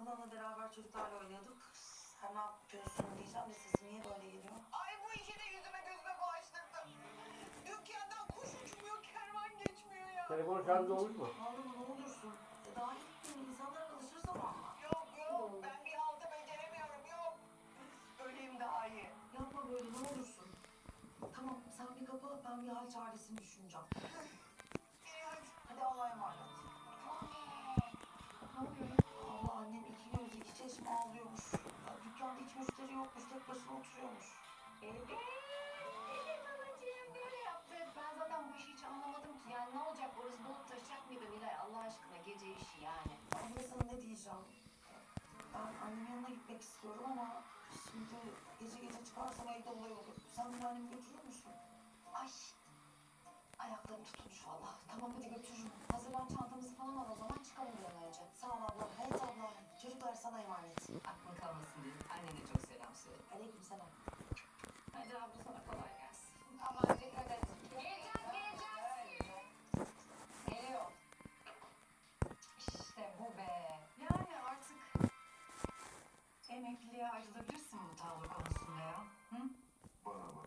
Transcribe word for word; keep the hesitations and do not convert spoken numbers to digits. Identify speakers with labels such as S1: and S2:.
S1: ablanla beraber çocuklarla oynuyorduk. Sen ne yapıyorsun diyeceğim de sesim niye böyle geliyor?
S2: Ay bu işi de yüzüme gözüme bulaştırdım. Dükkandan kuş uçmuyor, kervan geçmiyor ya.
S3: Telefon şarjı olmuş mu?
S1: Ağlama ne olursun. E, daha ilk gün insanlar alışır zamanla.
S2: Yok yok, ben bir haltı beceremiyorum, yok. Öleyim daha iyi.
S1: Yapma böyle ne olursun. Tamam sen bir kapa ben bir hal çaresini düşüneceğim.
S2: İyi hadi.
S1: Hadi Allah'a emanet.
S2: Ne oluyor?
S1: Allah annem iki göz iki çeşme ağlıyormuş. Ya, dükkanda hiç müşteri yokmuş tek başına oturuyormuş.
S4: Evet, evet babacığım böyle yaptık. Ben zaten bu işi hiç anlamadım ki. Yani ne olacak orası dolup taşacak mıydı Nilay Allah aşkına gece işi yani.
S1: Abla sana ne diyeceğim? Ben annemin yanına gitmek istiyorum ama şimdi gece gece çıkarsam evde olay olur. Sen beni annemi götürür müsün?
S4: Ay ayaklarım tutulmuş valla. Tamam hadi götürürüm. Hazırlan çantamızı falan al o zaman çıkalım bir an önce.
S1: Sağ ol abla. Evet abla. Çocuklar sana emanet.
S4: Aklın kalmasın diye. Annene çok selam söyle.
S1: Aleyküm selam.
S4: Hadi abla sana kolay gelsin. Aman dikkat et. Geleceğiz geleceğiz. Geliyor. İşte bu be. Yani artık emekliliğe ayrılabilirsin.